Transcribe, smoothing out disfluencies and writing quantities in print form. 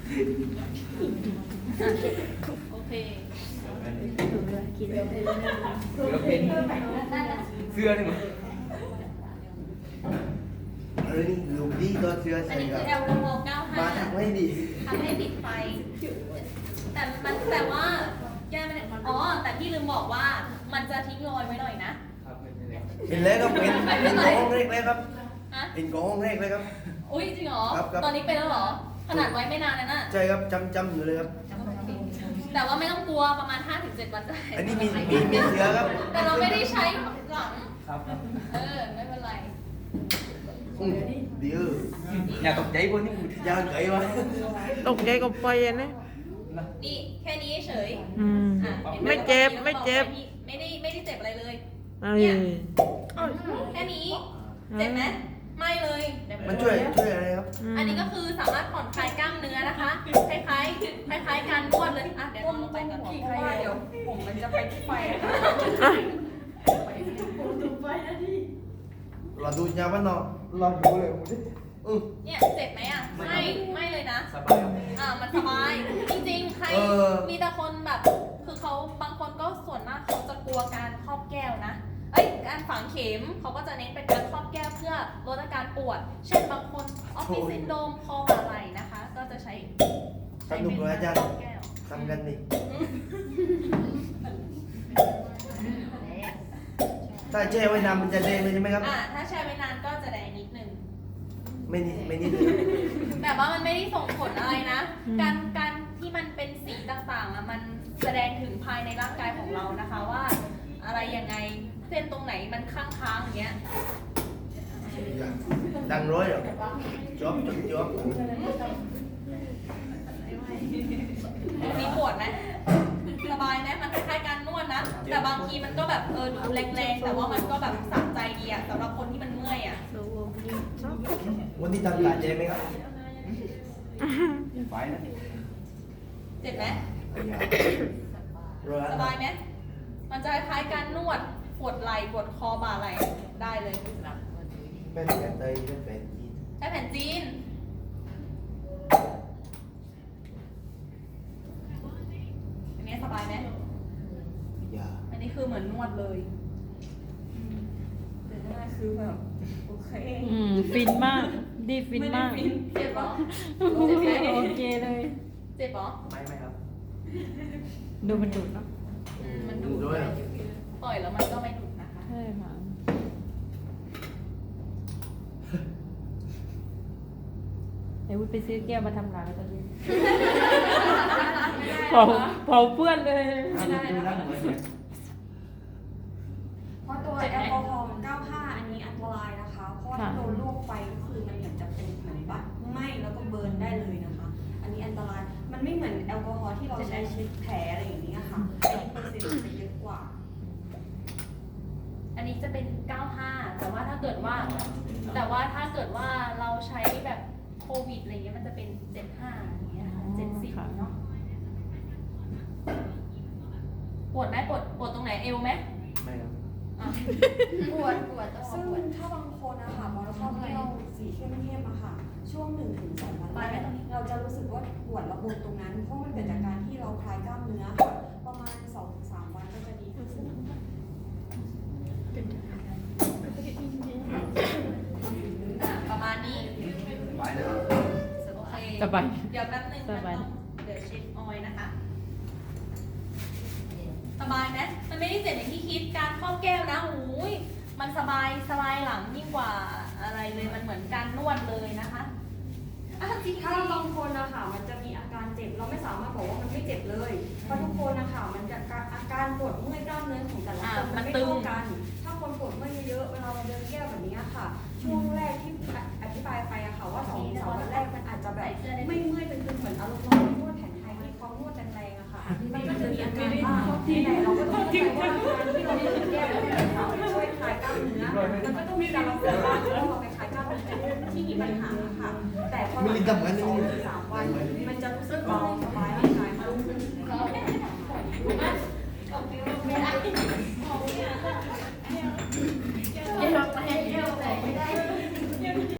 โอเคเสื้อเป็นเสื้อนี่มั้งนี่ลูกดีตัวเสื้ออันใส่นี้กัคืบอแอลกอฮอล์มาทำไม่ดี 95ทำให้ติดไฟ แต่ว่าแก้ไม่ได้อ๋อ แต่พี่ลืมบอกว่ามันจะทิ้งรอยไว้หน่อยนะครับไม่เป็นไรเป็นแล้วครับเป็นกองเล็กเลยครับฮะเป็นกองเล็กเลยครับอุ้ยจริงเหรอครับตอนนี้เป็นแล้วเหรอ ขนาดไว้ไม่นานแล้วน่ะใช่ครับจำอยู่เลยครับแต่ว่าไม่ต้องกลัวประมาณ 5-7 วันจะหายอันนี้มีเสือครับแต่เราไม่ได้ใช้หลังครับครับไม่เป็นไรเดี๋ยวอย่าตกใจพวกนี้มึงยาวเก๋วะตกใจกับไฟอะนะนี่แค่นี้เฉยอืมอ่ะห็นหไม่เจ็บไม่เจ็บไม่ได้เจ็บอะไรเลยเอ้ยแค่นี้ เจ็บไหมไม่เลยมันช่วยอะไรครับอันนี้ก็คือสามารถผ่อนคลายกล้ามเนื้อนะคะ คล้ายๆการนวดเลย อ่ะเดี๋ยวลองไปกันเพราะว่าเดี๋ยวผมมันจะไปที่ไฟอะค่ะเราดูยาบ้านนอกเราดูเลยอือเนี่ยเจ็บไหมอ่ะ ไม่เลยนะสบายครับมันสบาย จริงๆ ใคร มีแต่คนแบบ คือเขาบางคนก็ส่วนมากเขาจะกลัวการครอบแก้วนะ การฝังเข็มเขาก็จะเน้นเป็นการครอบแก้วเพื่อลดอาการปวด เช่นบางคนออฟฟิศซินโดรมคอบ่าไหล่นะคะ ก็จะใช้สนุกเลยอาจารครย์อบแก้วทำกันนี่ถ้าแช่ไว้นานมันจะแดงเลยใช่ไหมครับถ้าแช่ไว้นานก็จะแดงนิดนึงไม่นิดเลยแต่ว่ามันไม่ได้ส่งผลอะไรนะ การที่มันเป็นสีต่างๆมันแสดงถึงภายในร่างกายของเรานะคะว่า อะไรยังไงเส้นตรงไหนมันค้างๆอย่างเงี้ยดังร้อยหรอจ๊อบมีปวดไหมสบายไหมมันคล้ายๆการนวดนะ แต่บางทีมันก็แบบดูแรงๆ แต่ว่ามันก็แบบสะใจดีอะสำหรับคนที่มันเมื่อยอะวันที่ทำการเจ๊ไหมครับไปนะเจ็บไหมร้อยสบายไหมมันจะคล้ายๆการนวดปวดไหล่ปวดคอบ่าไหล่ได้เลยเป็นแผนไทยเป็นแผนจีนใช้แผ่นจีน อันนี้สบายไหมอย่าอันนี้คือเหมือนนวดเลยแต่หน้าคือแบบโอเคฟินมาก ดีฟินมากเจ็บเหรอโอเคโอเคเลยเจ็บเหรอไม่ครับดูมันดุเนาะมันดูดร้อยหรอปล่อยแล้วมันก็ไม่ดูดนะคะใช่ค่ะไอ้วุ้ยไปซื้อแก้วมาทำหลังตอนนี้เผาเพื่อนเลยเพราะตัวแอลกอฮอล์95อันนี้อันตรายนะคะ เพราะว่าถ้าโดนลวกไฟก็คือมันเหมือนจะเป็นเหมือนบัตไหม้แล้วก็เบิร์นได้เลยนะคะ อันนี้อันตราย มันไม่เหมือนแอลกอฮอล์ที่เราใช้เช็ดแผลอะไรอย่างนี้ค่ะอันนี้เปอร์เซ็นต์จะเยอะกว่าอันนี้จะเป็น 95 แต่ว่าถ้าเกิดว่าเราใช้แบบโควิดอะไรเงี้ยมันจะเป็น 75อย่างเงี้ยค่ะ70เนาะ ปวดไหมปวดตรงไหนเอวไหมไม่ครับอ่ะปวดซึ่งถ้าบางคนนะคะพอเราชอบเที่ยวสีเข้มๆอะค่ะ ช่วง1 ถึง 2 วันแรกเราจะรู้สึกว่าปวดระบบตรงนั้น เพราะมันเกิดจากการที่เราคลายกล้ามเนื้อค่ะ ประมาณ 2 ถึง 3 วันก็จะดีขึ้นประมาณนี้ไปนะโอเคสบายเดี๋ยวแป๊บนึงสบายเดี๋ยวเช็ดออยล์นะคะ สบายไหมมันไม่ได้เจ็บอย่างที่คิด การครอบแก้วนะหูยมันสบายหลังยิ่งกว่าอะไรเลย มันเหมือนการนวดเลยนะคะจริงถ้าบางคนนะคะมันจะมีอาการเจ็บเราไม่สามารถบอกว่ามันไม่เจ็บเลยเพราะทุกคนนะคะมันจะอาการปวดเมื่อยกล้ามเนื้อของแต่ละคนมันไม่เท่ากัน ถ้าคนปวดเมื่อยเยอะๆเวลาเราเดินแก้วแบบนี้ค่ะ ช่วงแรกที่อธิบายไปอะค่ะว่า2 ถึง 3 วันแรกมันอาจจะแบบไม่เมื่อยเป็นเหมือนอารมณ์เรานวดแผนไทยที่เขานวดแรงๆอะค่ะมันก็จะมีอาการบ้างแต่เราก็ต้องเข้าใจว่าการที่เราเดินแก้วแล้วมันช่วยคลายกล้ามเนื้อมันก็ต้องมีการรักษาบ้างเพราะเราไปคลายกล้ามเนื้อที่มีปัญหาค่ะแต่พอหลังจาก2 ถึง 3 วันมันจะรู้สึกเบาสบายร่าง